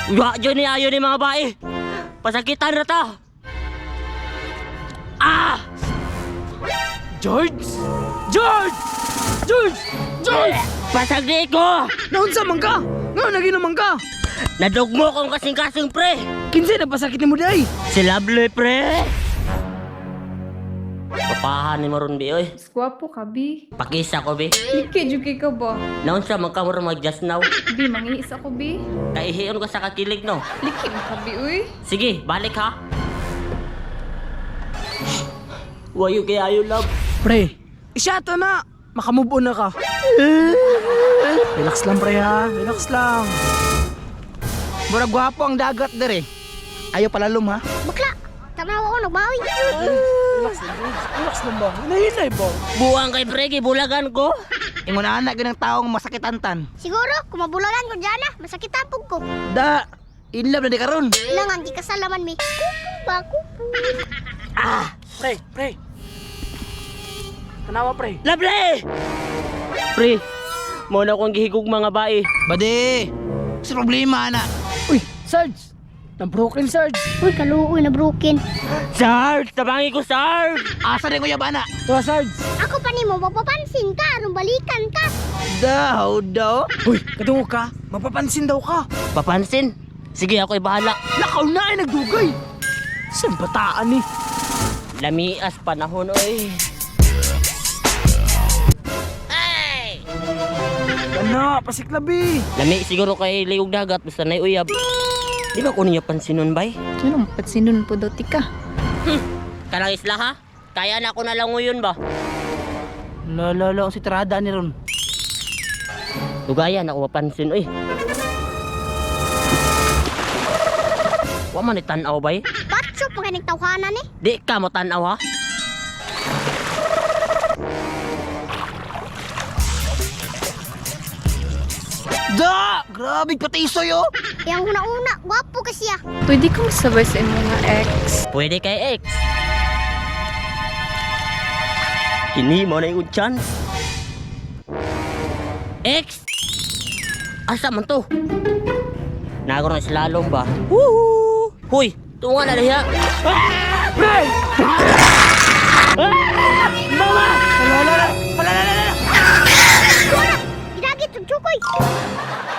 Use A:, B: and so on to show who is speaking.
A: Wa dyan ni ayo ni mga bae. Pasakitan na ta. Ah!
B: George! George! George! George!
A: Pasagdi ko!
B: Naunsa man ka? Nga naginuman ka?
A: Nadugmo kong kasing-kasing pre.
B: Kinsay na pasakit ni mo day?
A: Si Lovely pre. Papahan ni Maron bi oy.
C: Gwapo ka, Bi.
A: Pakisa ko bi.
C: Liki, juki ka ba?
A: Naon sa magkamura mag just now.
C: Bi, mangiis ako, Bi.
A: Kaihiyon ko sa kakilig no.
C: Liki mo ka, Bi, uy.
A: Sige, balik ha. Wayo kay ayo love.
B: Pre, isyato na. Makamove on na ka. Relax lang pre ha. Relax lang. Murag gwapo ang dagat dere. Ayaw palalom ha.
D: Bakla, tanawa ko nagbawi.
B: Relax lang. Relax lang ba? Hinahinay ba?
A: Buang kay pre, bulagan ko.
B: Ingon na anak ng taong masakitantan.
D: Siguro, kung mabulagan ko dyan na, masakitan po ko.
B: Da, in love na di karon.
D: Ilangan, di kasalaman mi. Kupu ba, kupu.
A: Ah!
B: Pre. Tanawa pre.
A: Lovely! Pre, muna akong gihigog mga bae.
B: Bade, sa problema na. Uy, Sarge. Na-broken Sarge.
D: Uy, kaluoy na broken.
A: Sarge! Tabangi ko, Sarge!
B: Asa rin ko yabana. Tuwa Sarge.
D: Ako pa ni mo, mapapansin ka, anong balikan ka.
B: Daw. Uy, kadungo ka. Mapapansin daw ka.
A: Papansin? Sige, ako'y bahala.
B: Lakaw na ay nagdugay. Saan bataan eh?
A: Lamias panahon, oy. Hey!
B: Ano, pasiklabi.
A: Lami siguro kay liog dagat basta na uyab. Di ba ko niya pansinon bay?
C: Ano, patsinun po doti ka.
A: Kanang isla ha? Kaya na ako na lang ngayon ba?
B: Lalo, si Trada ni Ron.
A: Tugayan ako mapansin, oy. Wa man ni tanaw bay?
D: Patso, pag nagtawhanan eh.
A: Di ka mo tanaw ha?
B: Da! Grabe patisoy oh!
D: Yang una-una, gwapo kasi ah.
C: Pwede ka masabay sa imong mga ex.
A: Pwede kay X. Kini mo na yung chance. X! Asa man to? Nagro na slalom ba? Woohoo! Huy! Tunga na liha!
B: Pre!
A: Mama!
B: Lala!
D: Ginagit, tugtukoy.